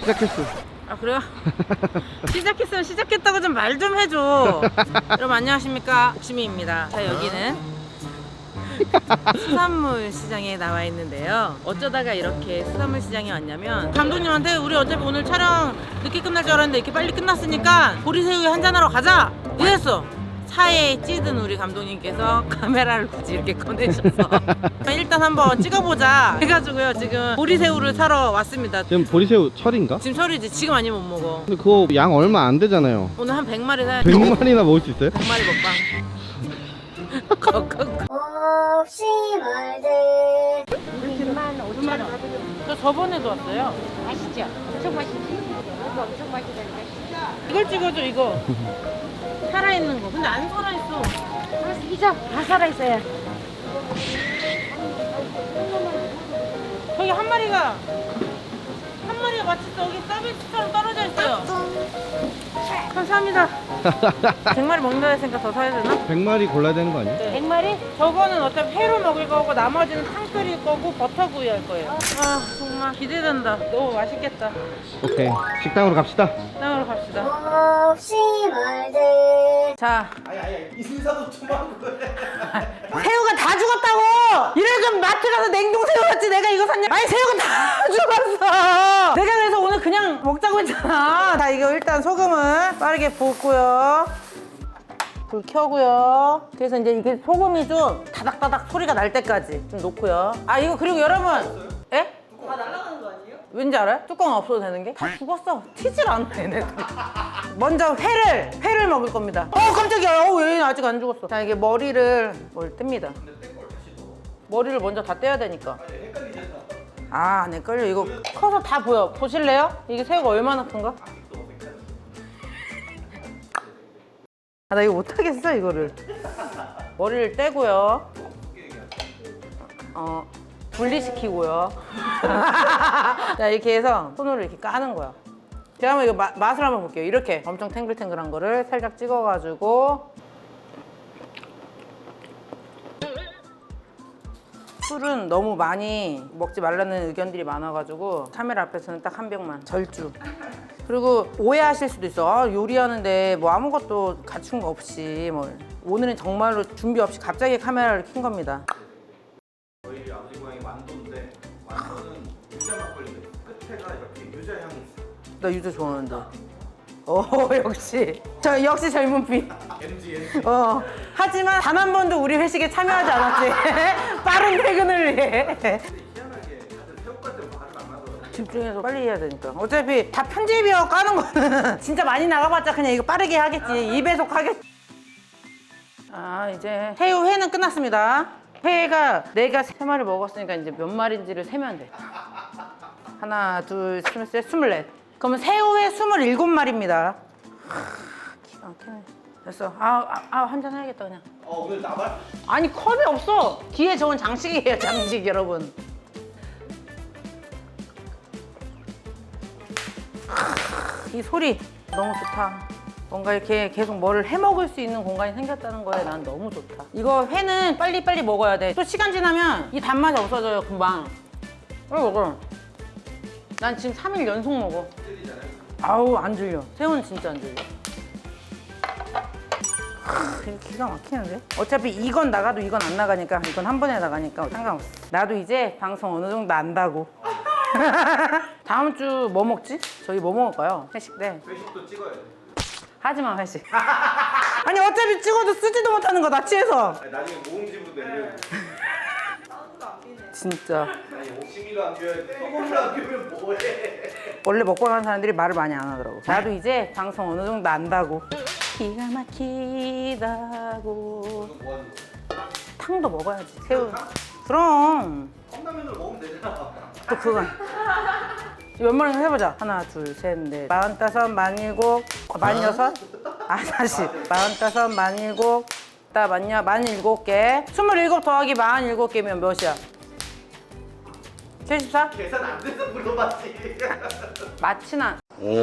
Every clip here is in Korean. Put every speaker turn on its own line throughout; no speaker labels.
시작했어.
아 그래요? 시작했으면 시작했다고 좀 말 좀 해줘. 여러분 안녕하십니까, 옥심이입니다. 자, 여기는 수산물 시장에 나와 있는데요. 어쩌다가 이렇게 수산물 시장에 왔냐면 감독님한테 우리 어차피 오늘 촬영 늦게 끝날 줄 알았는데 이렇게 빨리 끝났으니까 보리새우에 한잔하러 가자 이랬어. 차에 찌든 우리 감독님께서 카메라를 굳이 이렇게 꺼내셔서 일단 한번 찍어보자 해가지고요. 지금 보리새우를 사러 왔습니다.
지금 보리새우 철인가?
지금 철이지. 지금 아니면 못 먹어.
근데 그거 양 얼마 안 되잖아요.
오늘 한 100마리 사야 돼.
100마리나 먹을 수 있어요?
100마리 먹방.
없이 말들
2만 5천 원.
저 저번에도 왔어요.
맛있죠? 엄청 맛있지? 이거 엄청 맛있다니까.
이걸 찍어줘, 이거. 살아있는 거. 근데 안 살아있어.
이죠? 다 살아있어요.
저기 한 마리가 마치 저기 서비스처럼 떨어져 있어요. 감사합니다. 100마리 먹는다 했으니까 더 사야 되나?
100마리 골라야 되는 거 아니야?
100마리?
저거는 어차피 회로 먹을 거고 나머지는 탕 끓일 거고 버터구이 할 거예요. 아 정말 기대된다. 너무 맛있겠다.
오케이, 식당으로 갑시다.
식당으로 갑시다.
없이 말들
자,
이순사도 좀 하고
새우가 다 죽었다고! 이럴 거면 마트 가서 냉동새우 샀지 내가 이거 샀냐? 아니 새우가 다 죽었어! 내가 그래서 오늘 그냥 먹자고 했잖아. 자, 이거 일단 소금을 빠르게 붓고요. 불 켜고요. 그래서 이제 이게 소금이 좀 다닥다닥 소리가 날 때까지 좀 놓고요. 아 이거 그리고 여러분, 에? 다 날아가는 거 아니에요? 왠지 알아요? 뚜껑 없어도 되는 게? 다 죽었어. 튀질 않아 얘네들. 먼저 회를 먹을 겁니다. 깜짝이야. 얘는 아직 안 죽었어. 자, 이게 머리를 뗍니다. 머리를 먼저 다 떼야 되니까. 아, 안 헷갈려. 이거 커서 다 보여. 보실래요? 이게 새우가 얼마나 큰가? 아, 나 이거 못하겠어, 이거를. 머리를 떼고요. 분리시키고요. 자, 이렇게 해서 손으로 이렇게 까는 거야. 제가 한번 이거 맛을 한번 볼게요. 이렇게 엄청 탱글탱글한 거를 살짝 찍어가지고. 술은 너무 많이 먹지 말라는 의견들이 많아가지고 카메라 앞에서는 딱 한 병만 절주. 그리고 오해하실 수도 있어. 아, 요리하는데 뭐 아무것도 갖춘 거 없이 뭐. 오늘은 정말로 준비 없이 갑자기 카메라를 켠 겁니다.
저희 아버지 고향이 완도인데 완도는 유자 막걸리 끝에가 이렇게 유자 향이 있어요.
나 유자 좋아하는데. 역시. 역시 젊은 피.
MG
하지만 단 한 번도 우리 회식에 참여하지 않았지. 빠른 퇴근을 위해.
희한하게 다들 새우갈 때 말을 안 하더라고요.
집중해서 빨리 해야 되니까. 어차피 다 편집이어 까는 거는 진짜 많이 나가봤자 그냥 이거 빠르게 하겠지. 2배속 하겠지. 아, 이제 새우회는 끝났습니다. 회가 내가 3마리 먹었으니까 이제 몇 마리인지를 세면 돼. 하나, 둘, 셋, 24. 그러면 새우회 27마리입니다. 기가 막히네. 됐어. 한잔 해야겠다 그냥.
오늘 나발?
아니 컵이 없어. 뒤에 저건 장식이에요, 장식 여러분. 이 소리 너무 좋다. 뭔가 이렇게 계속 뭐를 해 먹을 수 있는 공간이 생겼다는 거에 난 너무 좋다. 이거 회는 빨리빨리 먹어야 돼. 또 시간 지나면 이 단맛이 없어져요, 금방. 빨리 먹어. 난 지금 3일 연속 먹어. 아우, 안 질려. 새우는 진짜 안 질려. 이거 기가 막히는데? 어차피 이건 나가도 이건 안 나가니까, 이건 한 번에 나가니까 상관없어. 나도 이제 방송 어느 정도 안다고. 다음 주 뭐 먹지? 저희 뭐 먹을까요? 회식 때.
회식도 찍어야 돼.
하지마, 회식. 아니 어차피 찍어도 쓰지도 못하는 거 나 취해서.
아니, 나중에 모음집으로 내려요.
진짜.
아니 옥심이도 안 비워야 돼. 소금도 안 비우면 뭐해?
원래 먹고 가는 사람들이 말을 많이 안 하더라고. 나도 이제 방송 어느 정도 안다고. 기가 막히다고.
뭐 하는 거야?
탕도 먹어야지. 새우. 그럼.
컵라면으로 먹으면 되잖아.
또 그건. 몇 마리 해보자. 하나, 둘, 셋, 넷. 45, 47, 46. 다시. 45, 47. 나 맞냐? 47개. 27 더하기 47개면 몇이야? 74?
계산 안 돼서 물어봤지.
마치나.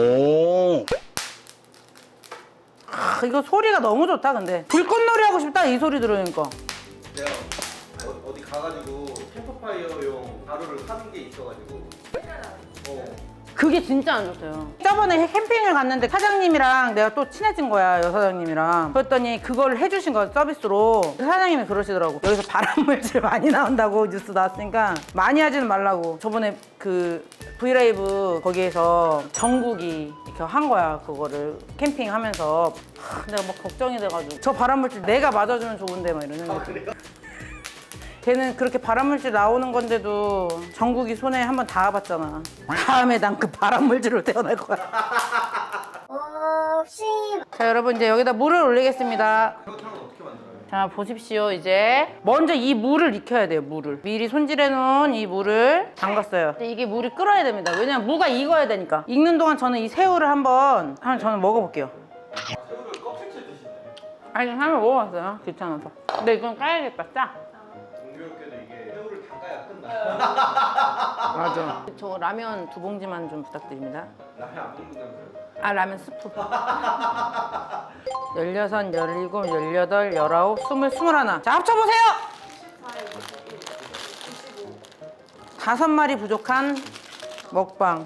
이거 소리가 너무 좋다, 근데. 불꽃놀이 하고 싶다, 이 소리 들으니까.
내가 어디 가가지고 캠프파이어용 가루를 사는 게 있어가지고
그게 진짜 안 좋대요. 저번에 캠핑을 갔는데 사장님이랑 내가 또 친해진 거야, 여사장님이랑. 그랬더니 그걸 해주신 거야, 서비스로. 사장님이 그러시더라고. 여기서 발암물질 많이 나온다고 뉴스 나왔으니까 많이 하지는 말라고. 저번에 그 브이라이브 거기에서 정국이 이렇게 한 거야, 그거를 캠핑하면서. 내가 막 걱정이 돼가지고 저 발암물질 내가 맞아주면 좋은데 막 이러는 거지. 걔는 그렇게 발암물질 나오는 건데도 정국이 손에 한번 닿아봤잖아. 다음에 난 그 발암물질로 태어날 거야.
없이
자, 여러분 이제 여기다 물을 올리겠습니다.
새우탕은 어떻게 만들어요?
자, 보십시오. 이제 먼저 이 물을 익혀야 돼요. 물을 미리 손질해 놓은 이 물을 담갔어요. 근데 이게 물이 끓어야 됩니다. 왜냐면 무가 익어야 되니까. 익는 동안 저는 이 새우를 한번 저는 먹어볼게요.
새우를 껍질째 드시네.
아니, 한번 먹어봤어요. 귀찮아서. 근데 이건 까야겠다. 짜.
공교롭게도 이게 새우를 닦아야 끝나.
맞아. 저 라면 2봉지만 좀 부탁드립니다.
라면 안 먹는다면서요?
아, 라면 스프. 16, 17, 18, 19, 20, 21. 자, 합쳐보세요! 5마리 부족한 먹방.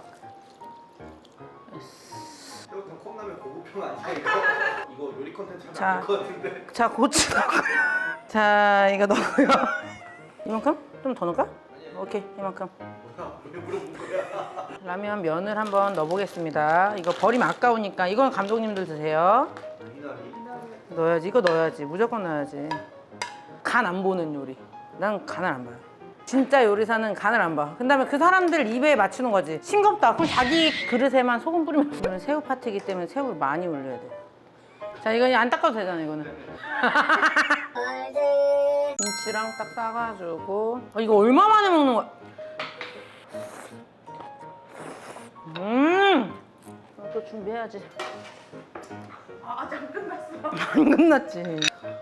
새우탕 컵라면 고급형 아니야 이거? 이거 요리 컨텐츠
자.
하면 안될것 같은데.
자, 고추 넣고요. 자, 이거 넣고요. 이만큼? 좀 더 넣을까? 오케이, 이만큼.
뭐야? 왜 물어본 거야?
라면 면을 한번 넣어보겠습니다. 이거 버리면 아까우니까 이건 감독님들 드세요.
미나리.
넣어야지. 이거 넣어야지. 무조건 넣어야지. 간 안 보는 요리. 난 간을 안 봐요. 진짜 요리사는 간을 안 봐. 그 다음에 그 사람들 입에 맞추는 거지. 싱겁다. 그럼 자기 그릇에만 소금 뿌리면. 오늘 새우 파티이기 때문에 새우를 많이 올려야 돼. 자, 이거 안 닦아도 되잖아, 이거는.
말들
김치랑 딱 싸가지고. 이거 얼마 만에 먹는 거야? 또 준비해야지. 아직 안 끝났어. 안 끝났지.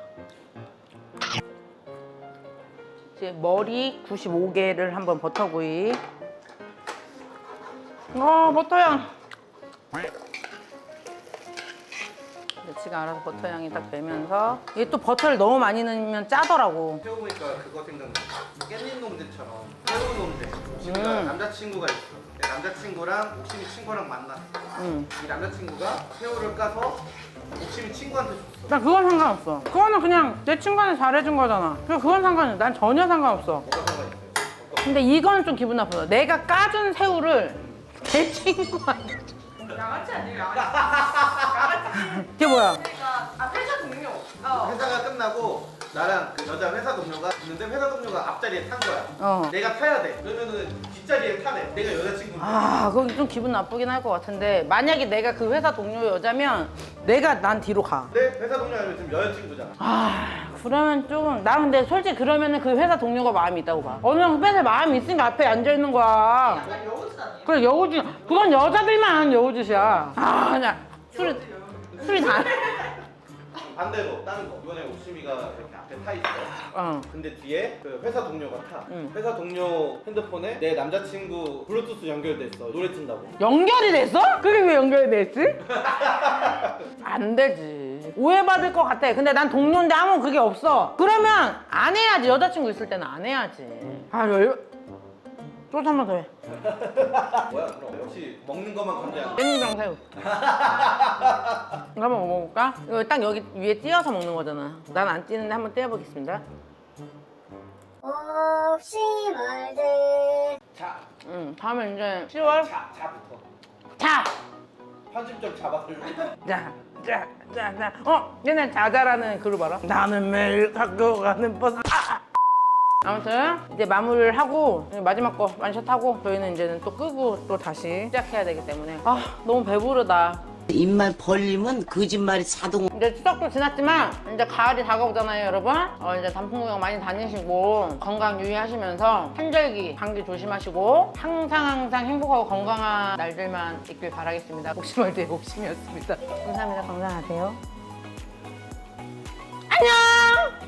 이제 머리 95개를 한번 버터구이. 버터향. 지가 알아서 버터향이 딱 되면서 이게 또 버터를 너무 많이 넣으면 짜더라고.
새우 보니까 그거 생각나. 깻잎 논제처럼 새우 논제. 옥심이가 남자친구가 있어. 내 남자친구랑 옥심이 친구랑 만났어. 이 남자친구가 새우를 까서 옥심이 친구한테 줬어.
나 그건 상관없어. 그거는 그냥 내 친구한테 잘해준 거잖아. 그건 상관없어. 난 전혀 상관없어.
뭐가 상관있어요?
근데 이거는 좀 기분 나쁘다. 내가 까준 새우를 내 친구한테 줘.
양아치 아니에요? 양아치.
이게 뭐야?
아 회사 동료.
회사가 끝나고 나랑 그 여자 회사 동료가 있는데 회사 동료가 앞자리에 탄 거야. 내가 타야 돼. 그러면은 뒷자리에 타네. 내가 여자친구인데.
아, 그건 좀 기분 나쁘긴 할 것 같은데 만약에 내가 그 회사 동료 여자면 내가 난 뒤로 가.
내 회사 동료가 지금 여자친구잖아.
아, 그러면 좀 나 근데 솔직히 그러면은 그 회사 동료가 마음이 있다고 봐. 어느 형 뺏을 마음이 있으니까 앞에 앉아 있는 거야.
약간 여우짓 아니에요?
그래, 여우짓. 그건 여자들만 하는 여우짓이야. 아, 그냥 술이 다.
반대로 다른 거. 이번에 옥심이가 이렇게 앞에 타 있어. 근데 뒤에 그 회사 동료가 타. 회사 동료 핸드폰에 내 남자친구 블루투스 연결됐어. 노래 튼다고.
연결이 됐어? 그게 왜 연결이 됐지? 안 되지. 오해받을 것 같아. 근데 난 동료인데 아무 그게 없어. 그러면 안 해야지. 여자친구 있을 때는 안 해야지. 소주 한 번 더 해.
뭐야 그럼 역시 먹는 것만 건재한.
깻잎이랑 새우. 이거 한번 먹어볼까? 이거 딱 여기 위에 띄어서 먹는 거잖아. 난 안 띄는데 한번 띄워보겠습니다.
없이 말들
자,
다음에 이제 10월.
자부터.
자!
편집 좀 잡아달래.
자. 얘네 자자라는 그룹 알아? 나는 매일 학교 가는 버스. 아무튼 이제 마무리를 하고 마지막 거 완샷하고 저희는 이제는 또 끄고 또 다시 시작해야 되기 때문에 너무 배부르다.
입만 벌리면 거짓말이 자동.
이제 추석도 지났지만 이제 가을이 다가오잖아요, 여러분. 이제 단풍 구경 많이 다니시고 건강 유의하시면서 환절기 감기 조심하시고 항상 행복하고 건강한 날들만 있길 바라겠습니다. 옥심월드의 옥심이었습니다. 감사합니다. 건강하세요. 안녕.